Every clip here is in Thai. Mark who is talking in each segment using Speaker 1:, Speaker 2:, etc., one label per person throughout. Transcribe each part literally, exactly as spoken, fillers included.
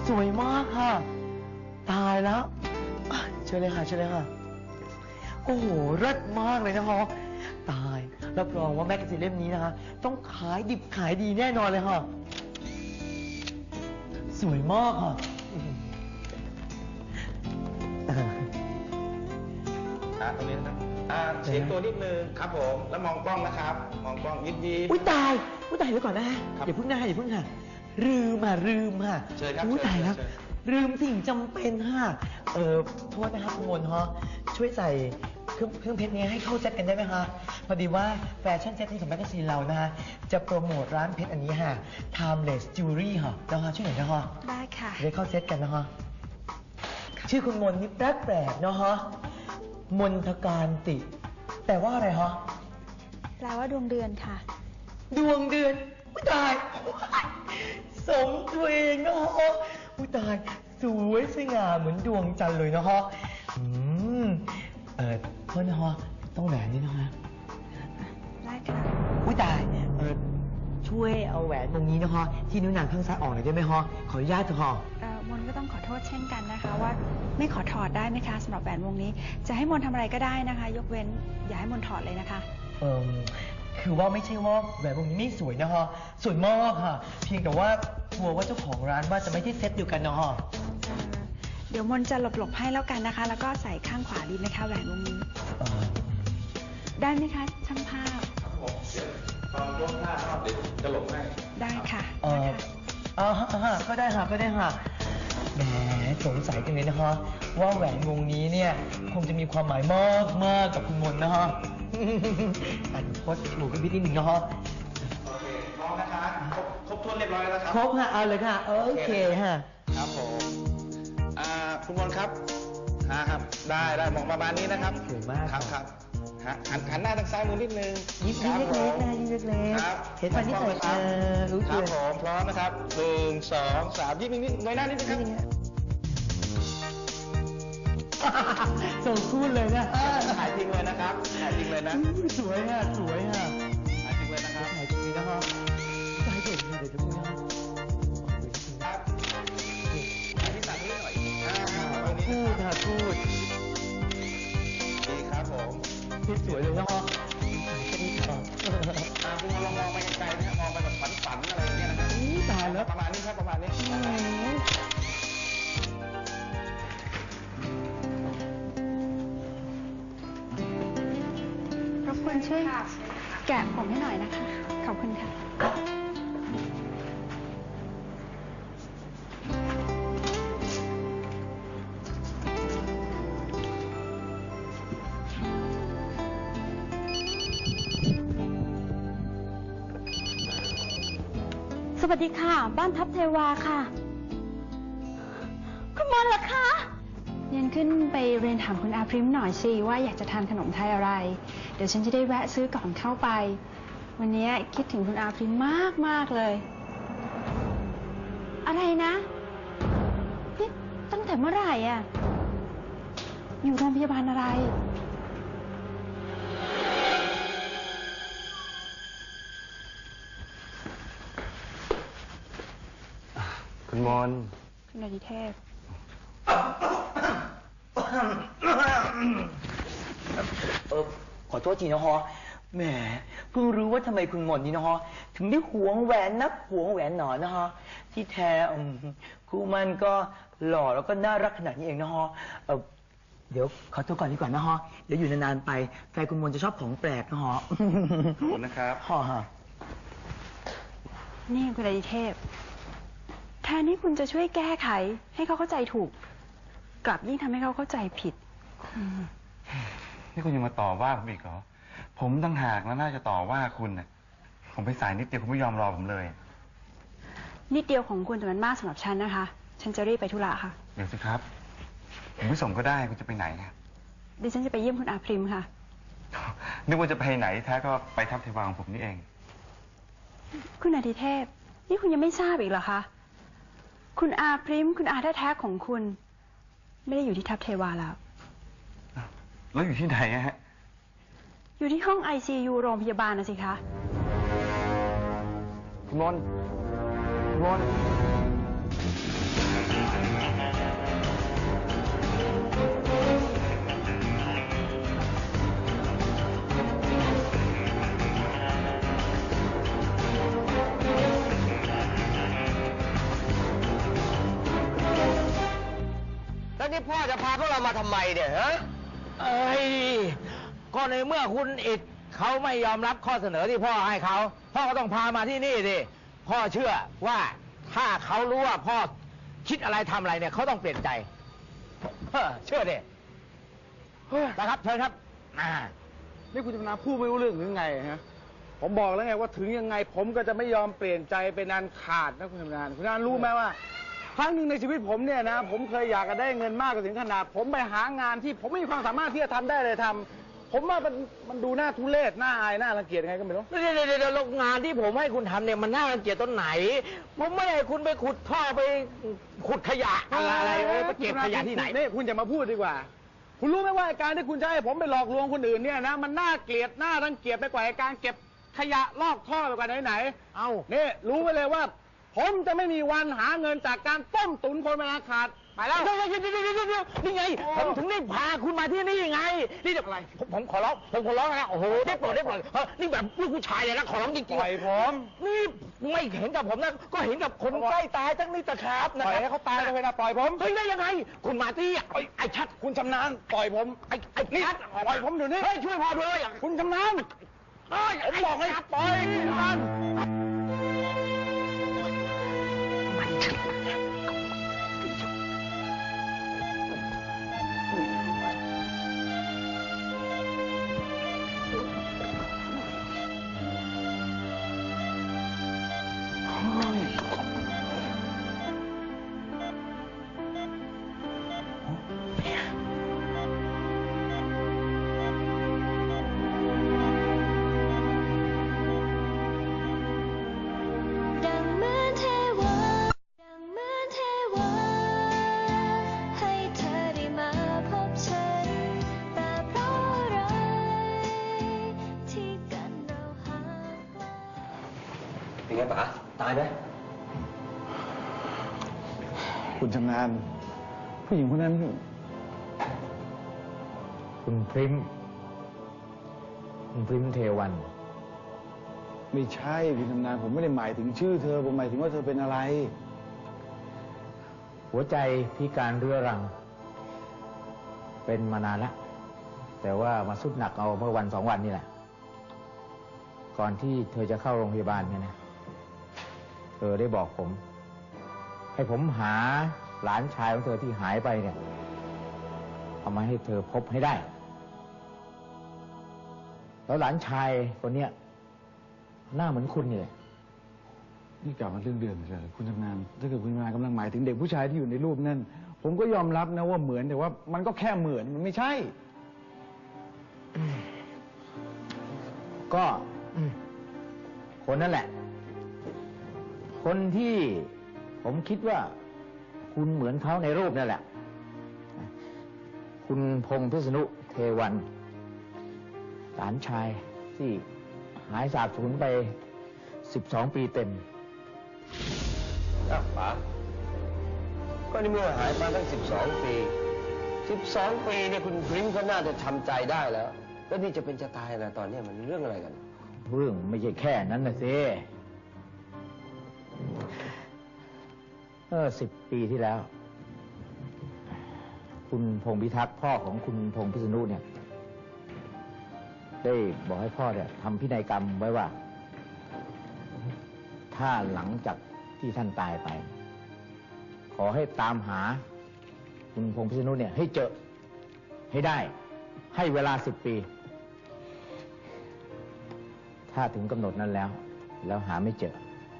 Speaker 1: สวยมากค่ะตายแล้วเชิญเลยค่ะเชิญเลยค่ะโอ้โหเลิศมากเลยนะคะตายรับรองว่าแมกกาซีนเล่มนี้นะคะต้องขายดิบขายดีแน่นอนเลยค่ะสวยมากค่ะ
Speaker 2: อ่าตรงนี้นะครับอ่าเฉียงตัวนิดนึงครับผมแล้วมองกล้องนะครับมองกล้องยิ้มยิ้ม
Speaker 1: อุ้ยตายอุ้ยตายเดี๋ยวก่อนนะอย่าเพิ่งนะอย่าเพิ่งค่ะลืมค่ะลืมค่ะ
Speaker 2: เชิญครับ
Speaker 1: อุ้ยตายแล้ว
Speaker 2: เชิญ
Speaker 1: ลืมสิ่งจำเป็นค่ะเออโทษนะครับคุณมนฮะช่วยใส่เครื่องเครื่องเพชรนี้ให้เข้าเซตกันได้ไหมคะพอดีว่าแฟชั่นเซตนี้ของแมกกาซีนเรานะฮะจะโปรโมทร้านเพชรอันนี้ค่ะ Timeless Jewelry ค่ะนะคะช่วยหน่อยนะคะ
Speaker 3: ได้ค่ะ
Speaker 1: ได้เข้าเซตกันนะคะชื่อคุณมนนี่แปลกแปลกๆเนาะฮะมนทการติแปลว่าอะไรฮะ
Speaker 3: แปลว่าดวงเดือนค่ะ
Speaker 1: ดวงเดือนอุ้ยตายสมตัวเองนะฮะอุ้ยตายสวยสง่าเหมือนดวงจันทร์เลยนะฮะอืมเออโทษนะฮะต้องแหวนนี่นะฮะ
Speaker 3: ได้ค่ะ
Speaker 1: อุ้ยตายเออช่วยเอาแหวนวงนี้นะฮะที่นิ้วนางข้างซ้ายออกหน่อยได้ไหมฮะขออนุญาตเถอะฮะ
Speaker 3: เอ่อมนก็ต้องขอโทษเช่นกันนะคะว่าไม่ขอถอดได้ไหมคะสำหรับแหวนวงนี้ จะให้มนทำอะไรก็ได้นะคะ ยกเว้นอย่าให้มนถอดเลยนะคะ
Speaker 1: เออคือว่าไม่ใช่ว่าแหวนวงนี้ไม่สวยนะฮะสวยมากค่ะ เพียงแต่ว่ากลัวว่าเจ้าของร้านว่าจะไม่ได้เซ็ตเดียวกันนะฮะ
Speaker 3: เอ่อเดี๋ยวมนจะหลบๆให้แล้วกันนะคะ แล้วก็ใส่ข้างขวาดีไหมคะแหวนวงนี้
Speaker 1: เออ
Speaker 3: ได้ไหมคะช่างภาพ
Speaker 2: ครับผมเดี๋ยวตอนยกท่ารอบเดี๋ยวจะหลบให้
Speaker 3: ได้ค่ะ
Speaker 1: เอ
Speaker 3: ได้
Speaker 1: อ
Speaker 3: ค่ะ
Speaker 1: อ่าฮะอ่าฮะก็ได้ค่ะก็ได้ค่ะแหมสงสัยจังเลยนะคะว่าแหวนวงนี้เนี่ยคงจะมีความหมายมากมากกับคุณมนต์นะฮะ อันโคตรถูกกันพี่นิดหนึ่งนะฮะ
Speaker 2: โอเคพร้อมนะคะครบครบถ้วนเรียบร้อยแล้วนะครับ
Speaker 1: ครบค่ะเอาเลยค่ะโอเคฮะ
Speaker 2: ครับผมอ่าคุณมนต์ครับฮะครับได้ได้มองประมาณนี้นะครับ
Speaker 1: สวยมาก
Speaker 2: ครับครับฮะหันหันหน้าทางซ้ายมือนิดนึง
Speaker 1: ยิ้มยิ้ม
Speaker 2: ครับ
Speaker 1: เล็กๆ
Speaker 2: ผม
Speaker 1: นะยิ้มเล็ก
Speaker 2: ครับ
Speaker 1: ๆเห็นฟันที่ใส่
Speaker 2: ค
Speaker 1: เอ
Speaker 2: รับ
Speaker 1: อรู้
Speaker 2: ค
Speaker 1: ตั
Speaker 2: รับ
Speaker 1: ว
Speaker 2: ผมพร้อมนะครับหนึ่งสองสามยิ้มนิดนิดน้อยหน้านิดนึงครับ
Speaker 1: ส่งคู่เลยนะ
Speaker 2: ถ่ายจริงเลยนะครับถ่ายจริงเลยนะ
Speaker 1: อุ๊ยสวยอ่ะสวยอ่ะ
Speaker 2: ถ่ายจริงเลยนะครับ
Speaker 1: ถ่ายจริงๆนะฮะถ่ายเด็กเดี๋ยวจะพูดนะ
Speaker 2: ครับถ่ายที่สั่งนี้หน่อยอ่าตรงนี้
Speaker 1: พู
Speaker 2: นะ
Speaker 1: ด
Speaker 2: ครับ
Speaker 1: ค่ะพูด
Speaker 2: ดีครับผม
Speaker 1: สวยเลยนะฮะ
Speaker 2: อ่าคุณลองมองไปไกลๆนะฮะมองไปแบบฝันๆอะไรอย่างเงี้ยนะครับ
Speaker 1: อู้ตายแล้ว
Speaker 2: ประมาณนี้ครับประมาณนี้
Speaker 3: รบกวนช่วยแกะผมให้หน่อยนะคะ ขอบคุณค่ะ
Speaker 4: สวัสดีค่ะ บ้านทับเทวาค่ะ คุณมนต์เหรอคะ
Speaker 3: เรียนขึ้นไปเรียนถามคุณอาพริมหน่อยสิว่าอยากจะทานขนมไทยอะไร เดี๋ยวฉันจะได้แวะซื้อก่อนเข้าไป วันนี้คิดถึงคุณอาพริมมากมากๆเลย
Speaker 4: อะไรนะนี่ตั้งแต่เมื่อไหร่อ่ะ
Speaker 3: อยู่โรงพยาบาลอะไร
Speaker 2: คุณมน
Speaker 3: คุณอาทิเทพ
Speaker 1: เออขอโทษทีนะฮะแหมเพิ่งรู้ว่าทำไมคุณหมอนนี่นะฮะถึงได้หวงแหวนนักหวงแหวนหนอนะฮะที่แท้อืมครูมันก็หล่อแล้วก็น่ารักขนาดนี้เองนะฮะเออเดี๋ยวขอตัวก่อนดีกว่านะฮะเดี๋ยวอยู่นานๆไปแฟนคุณมนจะชอบของแปลกนะฮะ
Speaker 2: ขอบคุณนะครับ
Speaker 1: ฮะฮะ
Speaker 3: นี่คุณอาทิเทพ แทนที่คุณจะช่วยแก้ไข ให้เขาเข้าใจถูก กลับยิ่งทำให้เขาเข้าใจผิด
Speaker 5: นี่คุณยังมาต่อว่าผมอีกเหรอ ผมตั้งหากแล้วน่าจะต่อว่าคุณน่ะ ผมไปสายนิดเดียวคุณไม่ยอมรอผมเลย
Speaker 3: นิดเดียวของคุณแต่มันมากสำหรับฉันนะคะ ฉันจะรีบไปธุระค่ะ
Speaker 5: เดี๋ยวสิครับ ผมไม่ส่งก็ได้คุณจะไปไหนนะ
Speaker 3: ดิฉันจะไปเยี่ยมคุณอาพริมค่ะ
Speaker 5: นึกว่าจะไปไหนแท้ก็ไปทับเทวาของผมนี่เอง
Speaker 3: คุณอาทิเทพ นี่คุณยังไม่ทราบอีกเหรอคะ คุณอาพริมคุณอาแท้ๆของคุณ ไม่ได้อยู่ที่ทัพเทวาแล้ว
Speaker 5: แล้วอยู่ที่ไหนอะฮะ
Speaker 3: อยู่ที่ห้องไอซียูโรงพยาบาลนะสิคะ
Speaker 5: คุณมนคุณมน
Speaker 6: จะพาพวกเรามาทำไมเนี่ยฮะ
Speaker 7: เอ้ยก็ในเมื่อคุณอิดเขาไม่ยอมรับข้อเสนอที่พ่อให้เขาพ่อก็ต้องพามาที่นี่ดิพ่อเชื่อว่าถ้าเขารู้ว่าพ่อคิดอะไรทำอะไรเนี่ยเขาต้องเปลี่ยนใจเฮ้อเชื่อดินะครับเชิญครับอ่า
Speaker 8: นี่คุณชำนาญพูดไม่รู้เรื่องหรือไงฮะผมบอกแล้วไงว่าถึงยังไงผมก็จะไม่ยอมเปลี่ยนใจเป็นอันขาดนะคุณชำนาญคุณชำนาญรู้ไหมว่าครั้งหนึ่งในชีวิตผมเนี่ยนะผมเคยอยากจะได้เงินมากถึงขนาดผมไปหางานที่ผมไม่มีความสามารถที่จะทำได้เลยทำผมว่ามันมันดูน่าทุเรศน่าอายน่ารังเกียจยังไงก็ไม่รู้
Speaker 7: เดี๋ยวเดี๋ยวเดี๋ยวงานที่ผมให้คุณทำเนี่ยมันน่ารังเกียจตรงไหน ผมไม่ให้คุณไปขุดท่อไปขุดขยะอะไรอะไรเออไปเก็บขยะที่ไหน
Speaker 8: นี่คุณอย่ามาพูดดีกว่า คุณรู้ไหมว่าการที่คุณจะให้ผมไปหลอกลวงคนอื่นเนี่ยนะมันน่าเกลียดน่ารังเกียจไปกว่าการเก็บขยะลอกท่อไปกว่าไหนๆ
Speaker 7: เอ้า
Speaker 8: นี่รู้ไว้เลยว่า ผมจะไม่มีวันหาเงินจากการต้มตุ๋นคนเวลาขาดไปแล้ว
Speaker 7: เดี๋ยวเดี๋ยวเดี๋ยวเดี๋ยวเดี๋ยวนี่ไงผมถึงได้พาคุณมาที่นี่ไงนี่เดี๋ยวอะไรผมผมขอร้องผมขอร้องนะโอ้โหได้โปรดได้โปรดเออนี่แบบลูกผู้ชายเลยนะขอร้องจริงๆ
Speaker 8: ปล่อยผม
Speaker 7: นี่ไม่เห็นกับผมนะก็เห็นกับคนใกล้ตายทั้งนี้ตะครับนะ
Speaker 8: ปล่อยให้เขาตายเลยนะปล่อยผม
Speaker 7: เฮ้ยได้ยังไง คุณมาที่ไอ้ไอ้ชัด
Speaker 8: คุณชำนาญปล่อยผม
Speaker 7: ไอ้ไอ้
Speaker 8: นี่
Speaker 7: ชัด
Speaker 8: ปล่อยผมเดี๋ยวนี้
Speaker 7: เฮ้ยช่วยพอด้วย
Speaker 8: คุณชำนาญ
Speaker 7: เฮ้ย
Speaker 8: ผมบอกให้ปล่อยมัน
Speaker 4: ดังเหมือนเทวาดังเหมือนเทวาให้เธอได้มาพบฉันแต่เพราะอะไรที่กันเราห่างไกล
Speaker 6: เป็นไงป๋าตายไหม
Speaker 8: คุณชำนาญผู้หญิงคนนั้น
Speaker 7: คุณพริมคุณพริมเทวัน
Speaker 8: ไม่ใช่คุณชำนาญผมไม่ได้หมายถึงชื่อเธอผมหมายถึงว่าเธอเป็นอะไร
Speaker 7: หัวใจพิการเรื้อรัง เป็นมานานแล้วแต่ว่ามาสุดหนักเอาเมื่อวันสองวันนี่แหละ ก่อนที่เธอจะเข้าโรงพยาบาลเนี่ยนะเธอได้บอกผม ให้ผมหาหลานชายของเธอที่หายไปเนี่ยเอามาให้เธอพบให้ได้ แล้วหลานชายคนเนี้ยหน้าเหมือนคุณนี่แหละ
Speaker 8: นี่กลับมาเรื่องเดิมเลยคุณชำนาญถ้าเกิดคุณชำนาญกำลังหมายถึงเด็กผู้ชายที่อยู่ในรูปนั่นผมก็ยอมรับนะว่าเหมือนแต่ว่ามันก็แค่เหมือนมันไม่ใช่
Speaker 7: ก็อืมคนนั่นแหละ คนที่ผมคิดว่าคุณเหมือนเขาในรูปนั่นแหละ คุณพงษ์พิษณุเทวันหลานชายที่หายสาบสูญไปสิบสองปีเต็ม
Speaker 6: อ้าวป๋าก็ในเมื่อหายมาตั้งสิบสองปีสิบสองปีเนี่ยคุณพริมเขาน่าจะทำใจได้แล้ว แล้วนี่จะเป็นจะตายนะตอนเนี้ยมันเรื่องอะไรกัน
Speaker 7: เรื่องไม่ใช่แค่นั้นนะสิเออสิบปีที่แล้ว คุณพงษ์พิทักษ์พ่อของคุณพงษ์พิษณุเนี่ย ได้บอกให้พ่อเนี่ยทำพินัยกรรมไว้ว่า ถ้าหลังจากที่ท่านตายไป ขอให้ตามหา คุณพงษ์พิษณุเนี่ย ให้เจอให้ได้ ให้เวลาสิบปี ถ้าถึงกำหนดนั้นแล้ว แล้วหาไม่เจอ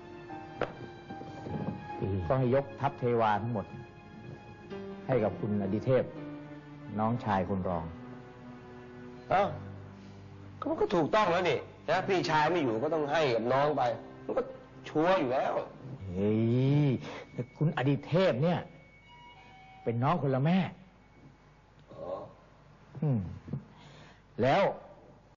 Speaker 7: ก็ให้ยกทัพเทวาทั้งหมด ให้กับคุณอดิเทพ น้องชายคุณรอง
Speaker 6: เอ้าก็มันก็ถูกต้องแล้วนี่นะพี่ชายไม่อยู่ก็ต้องให้กับน้องไป มันก็ชัวร์อยู่แล้ว
Speaker 7: เฮ้ยแต่คุณอดิเทพเนี่ย เป็นน้องคนละแม่
Speaker 6: อ๋อ
Speaker 7: อืมแล้ว